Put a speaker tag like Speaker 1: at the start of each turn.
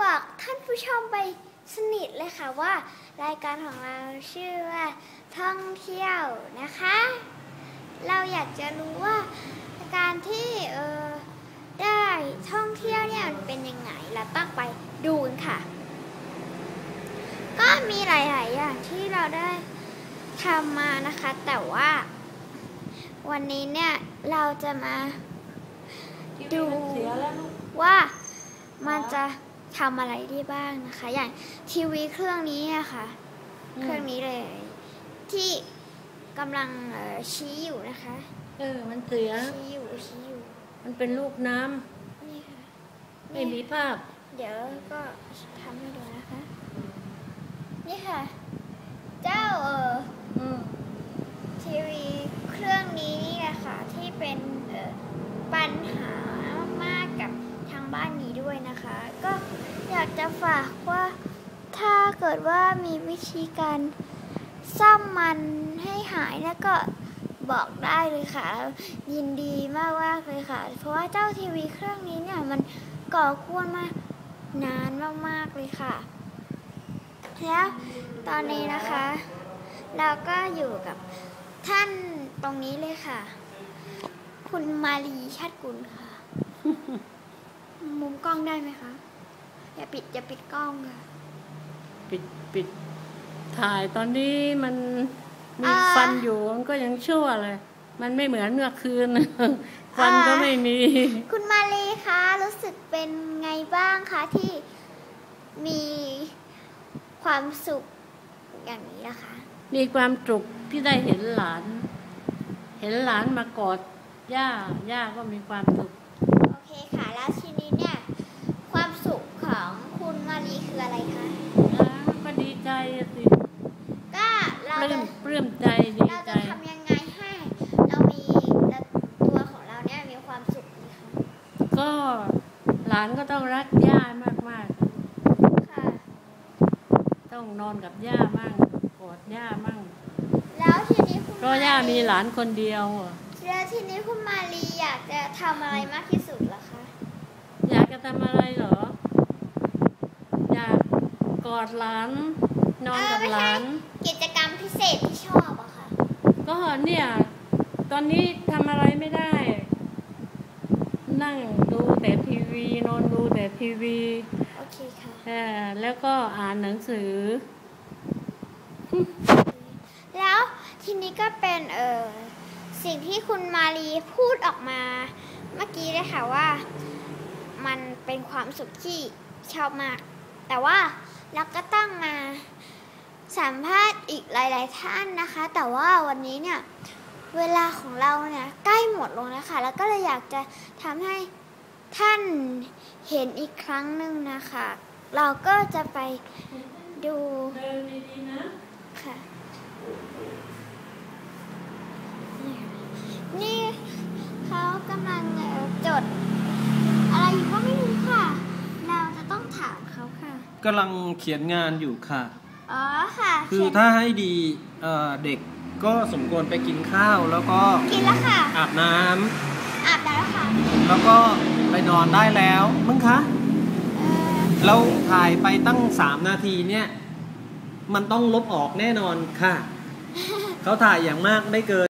Speaker 1: บอกท่านผู้ชมไปสนิทเลยค่ะว่ารายการของเราชื่อว่าท่องเที่ยวนะคะเราอยากจะรู้ว่าการที่ได้ท่องเที่ยวเนี่ยมันเป็นยังไงเราต้องไปดูกันค่ะก็มีหลายๆอย่างที่เราได้ทำมานะคะแต่ว่าวันนี้เนี่ยเราจะมาดูว่ามันจะทำอะไรได้บ้างนะคะอย่างทีวีเครื่องนี้อะค่ะเครื่องนี้เลยที่กำลังชี้อยู่นะคะ
Speaker 2: มันเสีย
Speaker 1: ชี้อยู่
Speaker 2: มันเป็นลูกน้ำ
Speaker 1: นี่ค่ะ
Speaker 2: ไม่มีภาพ
Speaker 1: เดี๋ยวก็ทำให้ดูนะคะนี่ค่ะเจ้าทีวีเครื่องนี้นี่แหละค่ะที่เป็นปัญหามากๆกับทางบ้านนี้ด้วยนะคะก็อยากจะฝากว่าถ้าเกิดว่ามีวิธีการซ่อมมันให้หายแล้วก็บอกได้เลยค่ะยินดีมากๆเลยค่ะเพราะว่าเจ้าทีวีเครื่องนี้เนี่ยมันก่อกวนมานานมากๆเลยค่ะแล้วตอนนี้นะคะเราก็อยู่กับท่านตรงนี้เลยค่ะคุณมาลีชาติกุลค่ะ มุมกล้องได้ไหมคะอย่าปิดกล้องค่ะ
Speaker 2: ปิดถ่ายตอนนี้มันมีฟันอยู่มันก็ยังชั่วเลยมันไม่เหมือนเมื่อคืน ฟันก็ไม่มี
Speaker 1: คุณมาลีคะรู้สึกเป็นไงบ้างคะที่มีความสุขอย่างนี้นะคะ
Speaker 2: มีความสุขที่ได้เห็นหลานมากอดย่าก็มีความสุข
Speaker 1: โอเคค่ะแล้วทีนี้เนี่ยความสุขของคุณมาลีคืออะไรคะ
Speaker 2: ก็ดีใจสิ
Speaker 1: ก็เรา
Speaker 2: ปลื้มใจดีใจ
Speaker 1: เราจะทำยังไงให้เรามีตัวของเราเนี่ยมีความสุขนะคะ
Speaker 2: ก็หลานก็ต้องรักย่ามาก
Speaker 1: ค่ะ
Speaker 2: ต้องนอนกับย่ามั่งกอดย่ามั่ง
Speaker 1: แล้วทีนี้คุณ
Speaker 2: เพราะย่ามีหลานคนเดียว
Speaker 1: แล้วทีนี้คุณมาลีอยากจะทำอะไรมากที่สุดเหรอคะ
Speaker 2: อยากจะทำอะไรเหรออยากกอดหลานนอนกับหลาน
Speaker 1: กิจกรรมพิเศษที่ชอบอะค่ะ
Speaker 2: ก็เนี่ยตอนนี้ทำอะไรไม่ได้นั่งดูแต่ทีวีนอนดูแต่ทีวี
Speaker 1: โอเคค่ะ
Speaker 2: แล้วก็อ่านหนังสือ
Speaker 1: แล้วทีนี้ก็เป็นสิ่งที่คุณมาลีพูดออกมาเมื่อกี้เลยค่ะว่ามันเป็นความสุขที่ชอบมากแต่ว่าเราก็ต้องมาสัมภาษณ์อีกหลายๆท่านนะคะแต่ว่าวันนี้เนี่ยเวลาของเราเนี่ยใกล้หมดลงแล้วค่ะแล้วก็เลยอยากจะทำให้ท่านเห็นอีกครั้งหนึ่งนะคะเราก็จะไปดูค่ะนี่เขากำลังจดอะไรอยู่ก็ไม่รู้ค่ะเราจะต้องถามเขาค่ะ
Speaker 3: กำลังเขียนงานอยู่ค่ะ
Speaker 1: อ๋อค่ะ
Speaker 3: คือถ้าให้ดีเด็กก็สมควรไปกินข้าวแล้วก็
Speaker 1: กินแล้วค่ะ
Speaker 3: อาบน้
Speaker 1: แล้วค่ะ
Speaker 3: แล้วก็ไปนอนได้แล้วมั้งคะเราถ่ายไปตั้ง3 นาทีเนี่ยมันต้องลบออกแน่นอนค่ะ เขาถ่ายอย่างมากไม่เกิน